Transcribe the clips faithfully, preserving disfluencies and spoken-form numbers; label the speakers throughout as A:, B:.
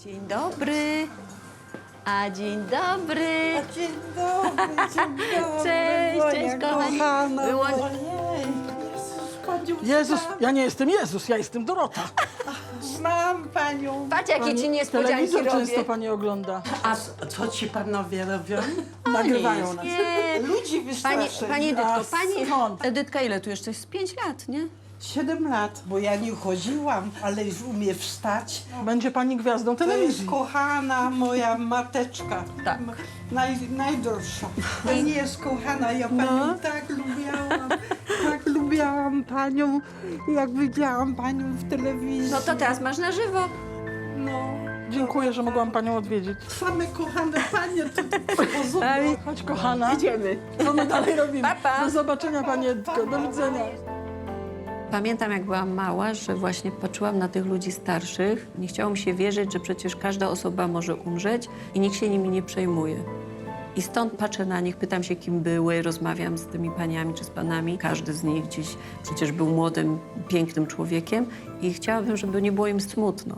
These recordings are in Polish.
A: Dzień dobry. A dzień dobry.
B: A dzień dobry, dzień dobry.
A: Cześć,
B: moja
A: cześć, kochani.
B: kochana.
A: Było-
B: Ojej, Jezus, panią
C: Jezus,
B: znam.
C: ja nie jestem Jezus, ja jestem Dorota.
B: Znam panią.
A: Patrz, jakie ci niespodzianki
C: Telewizor
A: robię.
C: często pani ogląda.
B: A co ci panowie robią? Nagrywają nas.
A: Nie.
B: Ludzi
A: Pani,
B: wystraszyli.
A: pani Edytko,
B: A
A: pani...
B: skąd?
A: Edytka, ile tu jeszcze? Z pięć lat, nie?
B: Siedem lat, bo ja nie chodziłam, ale już umie wstać.
C: Będzie pani gwiazdą
B: To jest
C: telewizji.
B: kochana moja mateczka.
A: Tak.
B: Naj, najdroższa. Pani jest kochana, ja panią
A: No.
B: tak lubiałam, tak lubiałam panią, jak widziałam panią w telewizji.
A: No to teraz masz na żywo.
B: No.
C: Dziękuję, że mogłam panią odwiedzić.
B: Same kochane panie tutaj przychodzą.
C: Chodź, kochana.
A: Idziemy.
C: Co my dalej robimy?
A: Pa, pa.
C: Do zobaczenia, pani Edko. Do widzenia.
A: Pamiętam, jak byłam mała, że właśnie patrzyłam na tych ludzi starszych. Nie chciało mi się wierzyć, że przecież każda osoba może umrzeć i nikt się nimi nie przejmuje. I stąd patrzę na nich, pytam się, kim były, rozmawiam z tymi paniami czy z panami. Każdy z nich gdzieś przecież był młodym, pięknym człowiekiem i chciałabym, żeby nie było im smutno.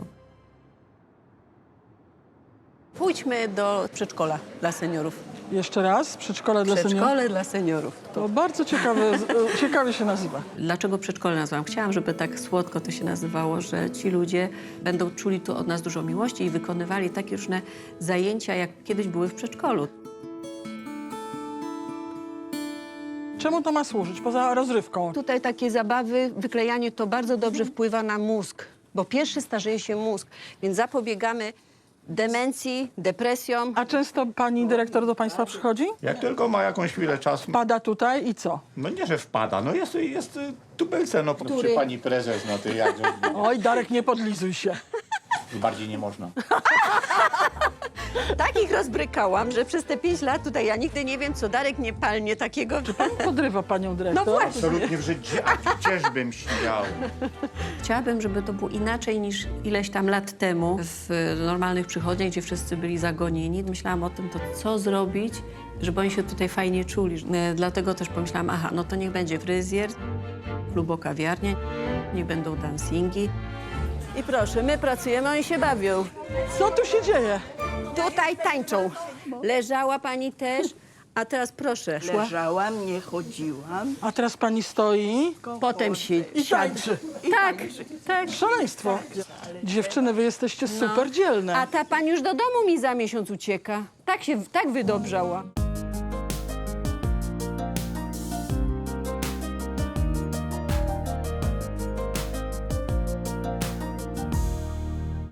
A: Pójdźmy do przedszkola dla seniorów.
C: Jeszcze raz, przedszkole dla seniorów.
A: Przedszkole dla seniorów.
C: To bardzo ciekawe, z- ciekawie się nazywa.
A: Dlaczego przedszkole nazwałam? Chciałam, żeby tak słodko to się nazywało, że ci ludzie będą czuli tu od nas dużo miłości i wykonywali takie różne zajęcia, jak kiedyś były w przedszkolu.
C: Czemu to ma służyć, poza rozrywką?
D: Tutaj takie zabawy, wyklejanie to bardzo dobrze wpływa na mózg, bo pierwszy starzeje się mózg, więc zapobiegamy demencji, depresjom.
C: A często pani dyrektor do państwa przychodzi?
E: Jak tylko ma jakąś chwilę czasu,
C: Pada tutaj i co?
E: no nie, że wpada, no jest, jest y, tubylce, no przy pani prezes, no ty jak,
C: Oj, Darek, nie podlizuj się.
E: bardziej nie można.
D: Tak ich rozbrykałam, że przez te pięć lat tutaj ja nigdy nie wiem, co Darek nie palnie takiego.
C: Pan podrywa panią dyrektor?
D: No właśnie.
E: Absolutnie w życiu, a gdzieżbym śmiał.
A: Chciałabym, żeby to było inaczej niż ileś tam lat temu w normalnych przychodniach, gdzie wszyscy byli zagonieni. Myślałam o tym, to co zrobić, żeby oni się tutaj fajnie czuli. E, Dlatego też pomyślałam, aha, no to niech będzie fryzjer, klubo-kawiarnia, niech będą dancingi.
D: I proszę, my pracujemy, oni się bawią.
C: Co tu się dzieje?
D: Tutaj tańczą. Leżała pani też, a teraz proszę. Szła.
B: Leżałam, nie chodziłam.
C: A teraz pani stoi
D: Potem się
C: i tańczy.
D: Tak, tak.
C: Szaleństwo. Dziewczyny, wy jesteście super dzielne.
D: A ta pani już do domu mi za miesiąc ucieka. Tak się, tak wydobrzała.